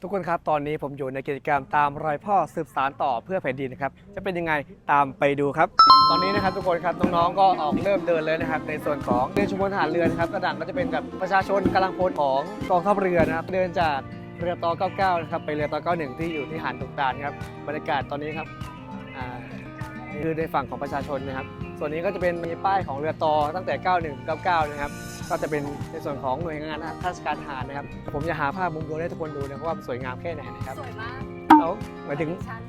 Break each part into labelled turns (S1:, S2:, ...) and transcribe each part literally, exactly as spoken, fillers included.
S1: ทุกคนครับตอนนี้ผมอยู่ในกิจกรรมตามรอยพ่อสืบสานต่อเพื่อแผ่นดินนะครับจะเป็นยังไงตามไปดูครับตอนนี้นะครับทุกคนครับน้องๆก็ออกเริ่มเดินเลยนะครับในส่วนของเดินชุมชนทหารเรือนะครับกระดังก็จะเป็นแบบประชาชนกำลังพลของกองทัพเรือนะครับเดินจากเรือต่อเก้าเก้านะครับไปเรือต่อเก้าหนึ่งที่อยู่ที่หาดตุกตาลครับบรรยากาศตอนนี้ครับอ่านี่คือในฝั่งของประชาชนนะครับส่วนนี้ก็จะเป็นมีป้ายของเรือต่อตั้งแต่เก้าหนึ่งถึงเก้าเก้านะครับก็จะเป็นในส่วนของหน่วยงานราชการทหารนะครับผมจะหาภาพมุมดูให้ทุกคนดูนะครับว่ามันสวยงามแค่ไหนนะครับ
S2: สวยมาก
S1: เอาหมายถึง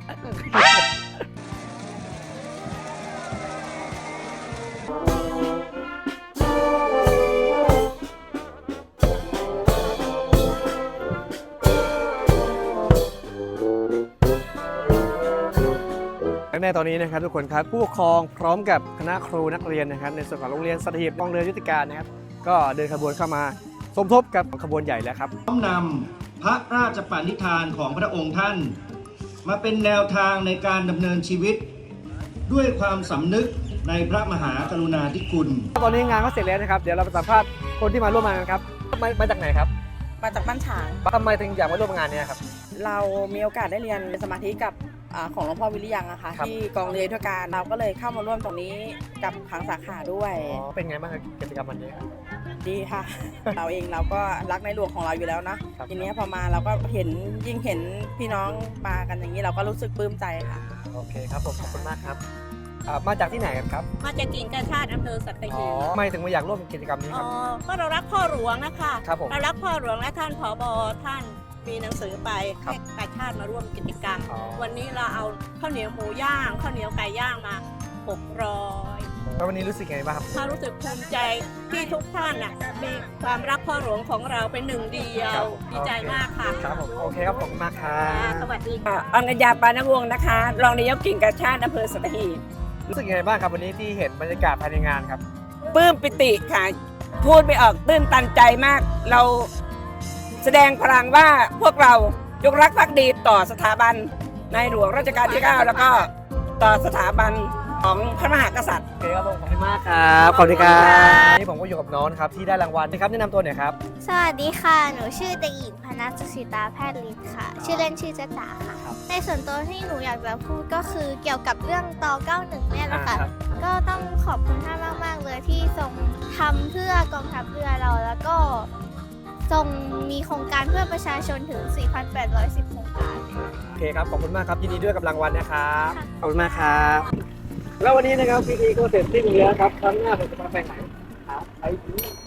S1: ในตอนนี้นะครับทุกคนครับผู้ปกครองพร้อมกับคณะครูนักเรียนนะครับในส่วนของโรงเรียนสัตหีบกองเรือยุทธการนะครับก็เดินขบวนเข้ามาสมทบกับขบวนใหญ่แล้วครับ
S3: น้อมนำพระราชปณิธานของพระองค์ท่านมาเป็นแนวทางในการดำเนินชีวิตด้วยความสำนึกในพระมหากรุณาธิคุณ
S1: ตอนนี้งานก็เสร็จแล้วนะครับเดี๋ยวเราไปสัมภาษณ์คนที่มาร่วมงานกันครับมามาจากไหนครับ
S2: มาจากบ้านฉาง
S1: ทำไมถึงอยากมาร่วมงานนี้ครับ
S2: เรามีโอกาสได้เรียนสมาธิกับของหลวงพ่อวิริยังอะค่ะที่กองเรือยุทธการเราก็เลยเข้ามาร่วมตรงนี้กับทางสาขาด้วย
S1: เป็นไงบ้างกิจกรรมวันนี้
S2: ดีค่ะ เราเองเราก็รักในหลวงของเราอยู่แล้วนะทีนี้พอมาเราก็เห็นยิ่งเห็นพี่น้องมากันอย่างนี้เราก็รู้สึกปลื้มใจค่ะ
S1: โอเคครับผมขอบคุณมากครับมาจากที่ไหนกันครับ
S4: มาจากกิ่งกาชาติอำเภอสัตหีบ
S1: ทำไมถึงมาอยากร่วมกิจกรรมนี้ครับ
S4: ก็เรารักพ่อหลวงนะคะ
S1: ครับผม
S4: เรารักพ่อหลวงและท่านผบ.ท่านมีหนังสือไปให้กาชาติมาร่วมกิจกรรมวันนี้เราเอาข้าวเหนียวหมูย่างข้าวเหนียวไก่ย่างมาหกร้อย
S1: แล้ววันนี้รู้สึกยังไงบ้างครับ
S4: ถ้ารู้สึกภูมิใจที่ทุกท่านน่ะมีความรักพ่อหลวงของเราเป็นหนึ่งเดียวดีใจมากค่ะ
S1: ครับผมโอเคครับผมมากครับ
S4: สวัสดีค่ะ
S2: อัญญาปานวงศ์นะคะรองนายกกิ่งกาชาติอำเภอสัตหีบ
S1: รู้สึกยังไงบ้างครับวันนี้ที่เห็นบรรยากาศภายในงานครับ
S2: ปลื้มปิติค่ะพูดไม่ออกตื้นตันใจมากเราแสดงพลังว่าพวกเรายกรักภักดีต่อสถาบันในหลวงรัชกาลที่เก้าแล้วก็ต่อสถาบันของพระมหากษัตริย์
S1: โอเคครับผมขอบคุณมากครับขอบคุณครับนี่ผมก็อยู่กับน้องนะครับที่ได้รางวัลนะครับแนะนำตัวหน่อยครับ
S5: สวัสดีค่ะหนูชื่อเด็กหญิงพนัสสุสิตาแพทย์ฤทธิ์ค่ะชื่อเล่นชื่อจ๊ะจ๋าค่ะในส่วนตัวที่หนูอยากจะพูดก็คือเกี่ยวกับเรื่องตอเก้าหนึ่งเนี่ยแหละค่ะก็ต้องขอบคุณท่านมากๆเลยที่ทรงทำเพื่อกองทัพเรือเราแล้วก็ทรงมีโครงการเพื่อประชาชนถึง สี่พันแปดร้อยสิบ โครงการ
S1: โอเคครับขอบคุณมากครับยินดีด้วยกับรางวัลนะครับขอบคุณมากครับแล้ววันนี้นะครับพิธีก็เสร็จสิ้นแล้วครับครั้งหน้าผมจะมาไปไหนไปที่